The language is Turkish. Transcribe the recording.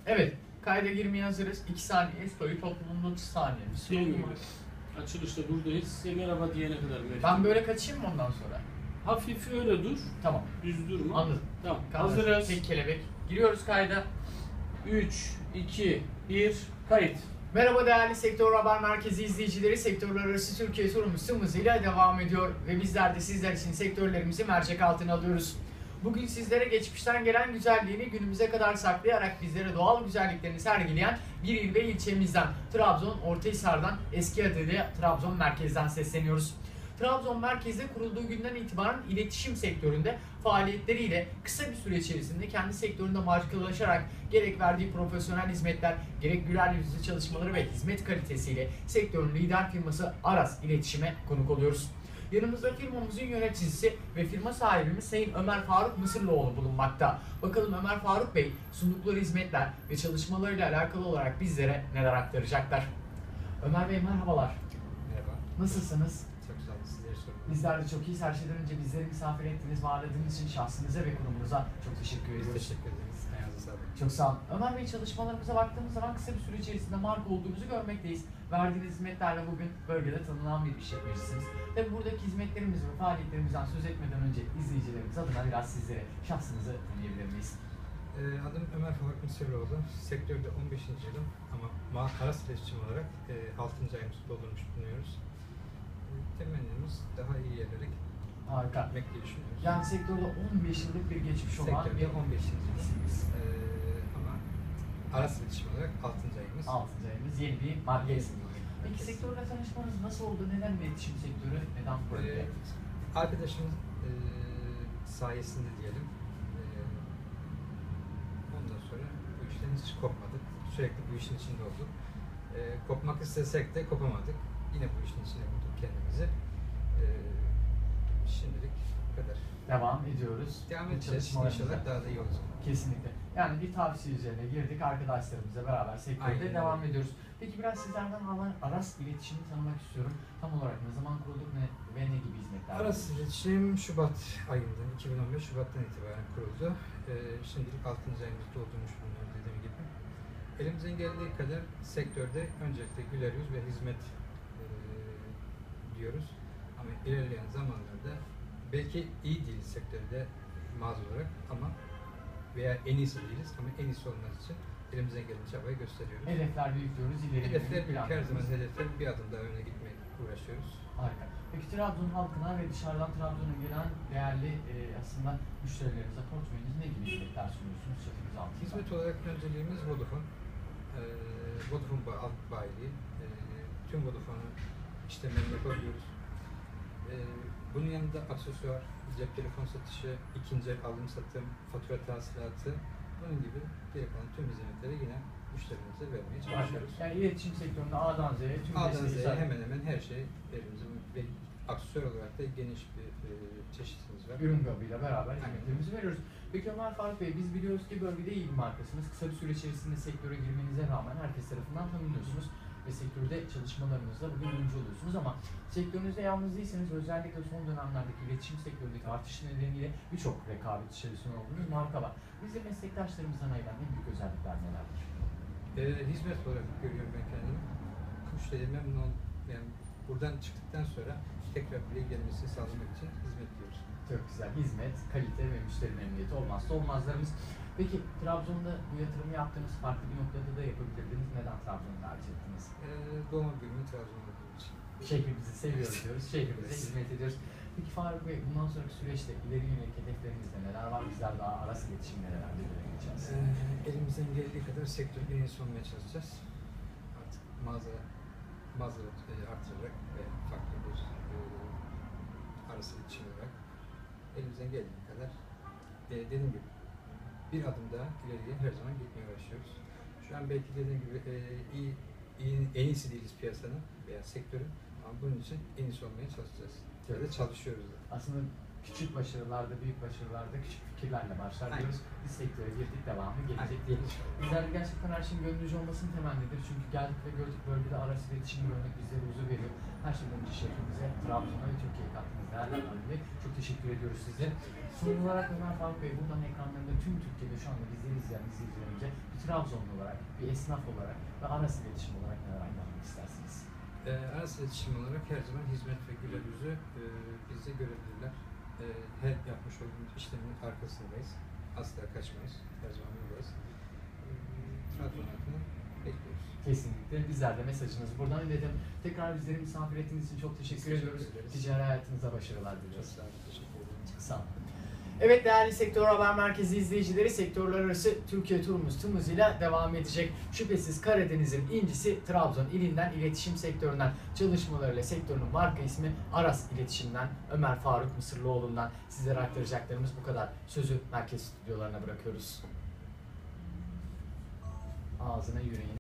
Evet, kayda girmeye hazırız. 2 saniye, story toplumunda 30 saniye. Şey gibi, açılışta buradayız. Size merhaba diyene kadar. Ben böyle kaçayım mı ondan sonra? Hafif öyle dur. Tamam. Düz durma. Anladım. Tamam. Hazırız. Hazırız. Tek kelebek. Giriyoruz kayda. 3, 2, 1, kayıt. Merhaba değerli Sektör Haber Merkezi izleyicileri. Sektörler arası Türkiye turumuz hızıyla devam ediyor. Ve bizler de sizler için sektörlerimizi mercek altına alıyoruz. Bugün sizlere geçmişten gelen güzelliğini günümüze kadar saklayarak bizlere doğal güzelliklerini sergileyen bir il ve ilçemizden, Trabzon Ortahisar'dan, eski adıyla Trabzon Merkez'den sesleniyoruz. Trabzon Merkez'de kurulduğu günden itibaren iletişim sektöründe faaliyetleriyle kısa bir süre içerisinde kendi sektöründe markalaşarak gerek verdiği profesyonel hizmetler, gerek güler yüzlü çalışmaları ve hizmet kalitesiyle sektörün lider firması Aras İletişim'e konuk oluyoruz. Yanımızda firmamızın yöneticisi ve firma sahibimiz Sayın Ömer Faruk Mısırlıoğlu bulunmakta. Bakalım Ömer Faruk Bey sundukları hizmetler ve çalışmalarıyla alakalı olarak bizlere neler aktaracaklar. Ömer Bey merhabalar. Merhaba. Nasılsınız? Çok güzel, sizleri sorumlu. Bizler de çok iyiyiz. Her şeyden önce bizleri misafir ettiğiniz, ağırladığınız için şahsınıza ve kurumunuza çok teşekkür Biz ediyoruz. teşekkür ederiz. Ayağınıza sağlık. Çok sağ olun. Ömer Bey, çalışmalarımıza baktığımız zaman kısa bir süre içerisinde marka olduğunuzu görmekteyiz. Verdiğiniz hizmetlerle bugün bölgede tanınan bir işletmecisiniz. Tabi buradaki hizmetlerimiz ve faaliyetlerimizden söz etmeden önce izleyicilerimiz adına biraz sizlere şahsınızı tanıyabilir miyiz? Adım Ömer Faruk Mısırlıoğlu. Sektörde 15. yılım ama Aras İletişim olarak 6. ayımızı doldurmuş bulunuyoruz. Temennimiz daha iyi yerlere Harika. gitmek diye düşünüyoruz. Yani sektörde 15 yıllık bir geçmiş olan Sektörde bir 15. yılımız. Ama Aras İletişim olarak 6. ayımız. 6. ayımız, yeni bir marka ismi. Peki sektörle tanışmanız nasıl oldu? Neden iletişim sektörü? Neden proje? Arkadaşımın sayesinde diyelim. Ondan sonra bu işten hiç kopmadık. Sürekli bu işin içinde olduk. Kopmak istesek de kopamadık. Yine bu işin içine bulduk kendimizi. Şimdilik bu kadar. Devam ediyoruz. Devam edeceğiz. Çalışmalarımıza. İnşallah daha da iyi olacak. Kesinlikle. Yani bir tavsiye üzerine girdik. Arkadaşlarımızla beraber sektörde Aynen. devam ediyoruz. Peki biraz sizlerden Aras İletişim'i tanımak istiyorum. Tam olarak ne zaman kurulduk ve ne gibi hizmetler? Aras İletişim Şubat ayından, 2015 Şubat'tan itibaren kuruldu. Şimdilik 6. ayımızı doldurmuş bulunuyoruz dediğim gibi. Elimizden geldiği kadar sektörde öncelikle güler yüz ve hizmet diyoruz. Ama ilerleyen zamanlarda belki iyi değiliz sektörde mağaza olarak ama veya en iyisi değiliz ama en iyisi olması için elimizden gelen çabayı gösteriyoruz. Hedefler büyük diyoruz. Hedefler büyük, her zaman hedefler bir adım daha öne gitmeye uğraşıyoruz. Harika. Peki Trabzon halkına ve dışarıdan Trabzon'a gelen değerli aslında müşterilerinize portföyünüz ne gibi hizmetler sunuyorsunuz? Çatımız altında. Hizmet olarak önceliğimiz Vodafone. Vodafone alt bayiliği. Tüm Vodafone'un işlemlerini yapabiliyoruz. Bunun yanında aksesuar, cep telefon satışı, ikinci el alım satım, fatura tahsilatı, bunun gibi geri kalan tüm hizmetleri yine müşterilerimize vermeye çalışıyoruz. Yani iletişim sektöründe A'dan Z'ye tüm A'dan desteği Z'ye hemen hemen her şey elimizde ve aksesuar olarak da geniş bir çeşitimiz var. ürün grubuyla beraber hizmetlerimizi veriyoruz. Peki Ömer Faruk Bey, biz biliyoruz ki bölgede iyi bir markasınız. Kısa bir süre içerisinde sektöre girmenize rağmen herkes tarafından tanınıyorsunuz ve sektörde çalışmalarınızda bugün öncü oluyorsunuz ama sektörünüzde yalnız değilseniz özellikle son dönemlerdeki iletişim sektöründeki artış nedeniyle birçok rekabet içerisinde olduğunuz marka var. Bizim meslektaşlarımızdan ayıran en büyük özellikler nelerdir? Hizmet olarak görüyorum ben kendimi. Müşteri memnun ol, yani buradan çıktıktan sonra tekrar buraya gelmesini sağlamak için hizmet diyoruz. Çok güzel. Hizmet, kalite ve müşteri memnuniyeti olmazsa olmazlarımız. Peki Trabzon'da bu yatırımı yaptığınız farklı bir noktada da yapabilirdiniz. Neden Trabzon'u tercih ettiniz? Doğma büyüme Trabzon olduğum için. Şehrimizi seviyoruz diyoruz. Şehrimize hizmet ediyoruz. Peki Faruk Bey, bundan sonraki süreçte ileri yönelik hedeflerinizde neler var? Bizler daha Aras iletişimlere geçeceğiz. Elimizden geldiği kadar sektörde en iyisi olmaya çalışacağız. Artık mağaza artırarak ve farklı bir arası iletişim olarak elimizden geldiği kadar dediğim gibi bir adım daha ileriye her zaman gitmeye uğraşıyoruz. Şu an belki dediğim gibi en iyisi değiliz piyasanın veya sektörün ama bunun için en iyisi olmaya çalışacağız. Ya da çalışıyoruz da. Aslında Küçük başarılarda, büyük başarılarda küçük fikirlerle başlar Aynen. diyoruz. Biz sektöre girdik, devamı gelecek diyelim. Bizler de gerçekten her şeyin gönlünüzce olmasının temennidir. Çünkü geldik ve gördük bölgede araç iletişimi görmek bizlere huzur veriyor. Her şeyden önce şehrimize, Trabzon'a ve Türkiye'ye kattığınız değerler dolayı çok teşekkür ediyoruz size. Son olarak Ömer Faruk Bey, buradan ekranlarında tüm Türkiye'de şu anda bizleri izleyen izleyicilerimize bir Trabzonlu olarak, bir esnaf olarak ve araç iletişim olarak neler anlatmak istersiniz? Araç iletişim olarak her zaman hizmet ve güler yüzü bizi görebilirler. Her yapmış olduğumuz işlemin arkasındayız. Asla kaçmayız. Her zaman buradayız. Trabzon halkını bekliyoruz. Kesinlikle. Bizler de mesajınızı buradan iletelim. Tekrar bizleri misafir ettiğiniz için çok teşekkür ediyoruz. ederiz. Ticari hayatınıza başarılar Çok diliyoruz. sağ olun. Teşekkür ederim. Sağ olun. Evet değerli Sektör Haber Merkezi izleyicileri, sektörler arası Türkiye turumuz tüm hızıyla devam edecek. Şüphesiz Karadeniz'in incisi Trabzon ilinden iletişim sektöründen çalışmalarıyla sektörün marka ismi Aras İletişim'den Ömer Faruk Mısırlıoğlu'ndan sizlere aktaracaklarımız bu kadar. Sözü merkez stüdyolarına bırakıyoruz. Ağzına yüreğine